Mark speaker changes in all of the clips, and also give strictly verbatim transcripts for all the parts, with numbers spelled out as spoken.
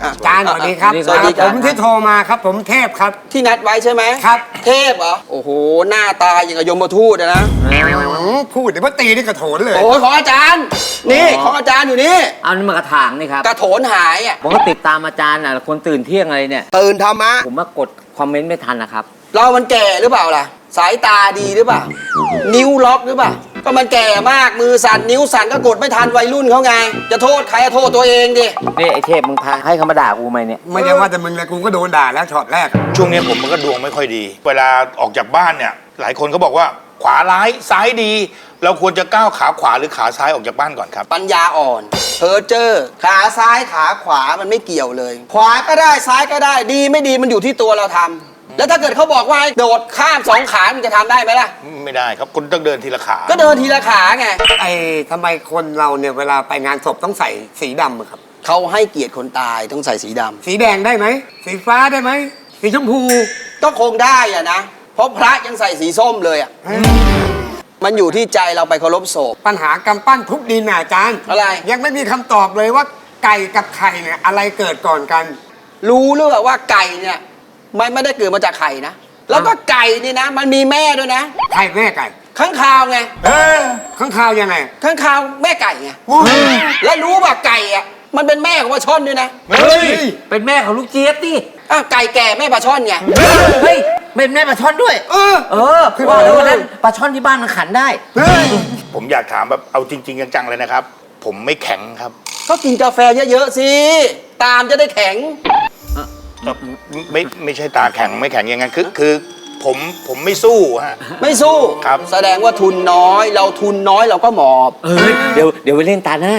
Speaker 1: อาจารย์สวัสดีครับ
Speaker 2: สวัสดีครับ
Speaker 1: ผมที่โทรมาครับผมเทพครับ
Speaker 2: ที่นัดไว้ใช่ไหม
Speaker 1: ครับ
Speaker 2: เทพเหรอ โอ้โห หน้าตาอย่างกับยมทูตอะนะ
Speaker 1: พูดเดี๋ยวว่าตีนี่กระโถนเลย
Speaker 2: โอ้ยของอาจารย์ นี่ของอาจารย์อยู่นี่
Speaker 3: เอานี่มากระถางนี่ครับ
Speaker 2: กระโถนหายอ่ะ
Speaker 3: ผมก็ติดตามอาจารย์น่ะคนตื่นเที่ยงอะไรเนี่ย
Speaker 2: ตื่นธรรมะ
Speaker 3: ผมมากดคอมเมนต์ไม่ทันนะครับ
Speaker 2: เรามันแก่หรือเปล่าล่ะ สายตาดีหรือเปล่า นิ้วล็อกหรือเปล่า ก็มันแก่มากมือสั่นนิ้วสั่นก็กดไม่ทันวัยรุ่นเขาไง จะโทษใครอะโทษตัวเองดิ
Speaker 3: นี่ไอเทพมึงพาให้เขามาด่ากูไหมเนี่ย
Speaker 1: ไม่ใช่ว่าแต่มึงเลยกูก็โดนด่าแล้วช็อตแรก
Speaker 4: ช่วงนี้ผมมันก็ดวงไม่ค่อยดี เวลาออกจากบ้านเนี่ย หลายคนเขาบอกว่าขวาร้ายซ้ายดี เราควรจะก้าวขาขวาหรือขาซ้ายออกจากบ้านก่อนครับ
Speaker 2: ปัญญาอ่อนเพอเจอร์ขาซ้ายขาขวามันไม่เกี่ยวเลย ขวาก็ได้ซ้ายก็ได้ดีไม่ดีมันอยู่ที่ตัวเราทำแล้วถ้าเกิดเขาบอกว่าให้โดดข้ามสองขามันจะทำได้ไหมล่ะ
Speaker 4: ไม่ได้ครับคุณต้องเดินทีละขา
Speaker 2: ก็เดินทีละขาไง
Speaker 1: ไอ้ทำไมคนเราเนี่ยเวลาไปงานศพต้องใส่สีดำอะครับ
Speaker 2: เขาให้เกียรติคนตายต้องใส่สีดำ
Speaker 1: สีแดงได้ไหมสีฟ้าได้ไหมสีชมพู
Speaker 2: ก็คงได้อะนะ เพราะพระยังใส่สีส้มเลยอะมันอยู่ที่ใจเราไปเคารพศพ
Speaker 1: ปัญหากำปั้นทุบดินน่ะอาจารย์
Speaker 2: อะไร
Speaker 1: ยังไม่มีคำตอบเลยว่าไก่กับไข่เนี่ยอะไรเกิดก่อนกัน
Speaker 2: รู้หรือเปล่าว่าไก่เนี่ยมันไม่ได้เกิดมาจากไข่นะ แล้วก็ไก่นี่นะ มันมีแม่ด้วยนะ
Speaker 1: ไข่แม่ไก่
Speaker 2: ข้างคาวไง
Speaker 1: เออข้างคาวยังไง
Speaker 2: ข้างคาวแม่ไก่ไง
Speaker 1: โอ้ย
Speaker 2: แล้วรู้ป่ะไก่อะมันเป็นแม่ของปลาช่อนด้วยนะ
Speaker 1: เฮ้ย
Speaker 3: เป็นแม่ของลูกเจี๊ยบดิ
Speaker 2: อ้าวไก่แก่แม่ปลาช่อนไง
Speaker 3: เฮ้ยเป็นแม่ปลาช่อนด้วย
Speaker 1: เออ
Speaker 3: เออคือว่าแล้ววันนั้นปลาช่อนที่บ้านมันขันได้
Speaker 1: เฮ้ย
Speaker 4: ผมอยากถามแบบเอาจริง ๆ จังๆเลยนะครับ ผมไม่แข็งครับ
Speaker 2: ก็กินกาแฟเยอะๆสิ ตามจะได้แข็ง
Speaker 4: ไม่ไม่ใช่ตาแข็งไม่แข็งอย่างนั้นคือคือผมผมไม่สู้ฮะ
Speaker 2: ไม่สู้
Speaker 4: ครับ
Speaker 2: แสดงว่าทุนน้อย เราทุนน้อยเราก็หมอบ
Speaker 3: เอ้ยเดี๋ยวเดี๋ยวไปเล่นตาหน้า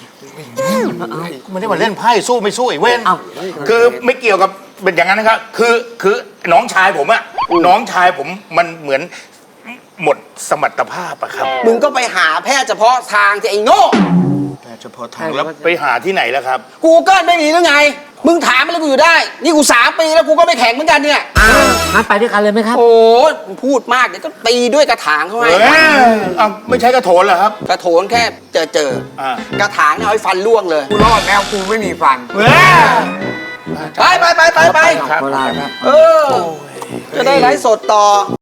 Speaker 4: ไม่ได้มาเล่นไพ่สู้ไม่สู้ไอ้เว้น
Speaker 3: เอ้า
Speaker 4: คือไม่เกี่ยวกับเป็นอย่างนั้นนะครับคือคือน้องชายผมอะน้องชายผมมันเหมือนหมดสมรรถภาพอะครับ
Speaker 2: มึงก็ไปหาแพทย์เฉพาะทางจะไอ้โง่
Speaker 4: เฉพาะทางแล้วไปหาที่ไหนแล้วครับ
Speaker 2: กูเกิลไม่มีหรือไง มึงถามอะไรกูอยู่ได้ นี่กูสามปีแล้วกูก็ไม่แข็งเหมือนกันเนี่ย
Speaker 3: อ้าวงั้นไปด้วยกันเลยไหมครับ
Speaker 2: โอ้มึงพูดมากเดี๋ยวก็ตีด้วยกระถางเขาให้
Speaker 4: เอ้ยอ้าวไม่ใช่กระโถนเหรอครับ
Speaker 2: กระโถนแค่เจอเจอ
Speaker 4: อ่า
Speaker 2: กระถางเนี่ยเอาให้ฟันล่วงเลย
Speaker 1: กูรอดแล้วกูไม่มีฟัน
Speaker 2: ไปไปไปไปไป
Speaker 4: ครับ
Speaker 3: โบราณครับ
Speaker 2: เออ จะได้ไลฟ์สดต่อ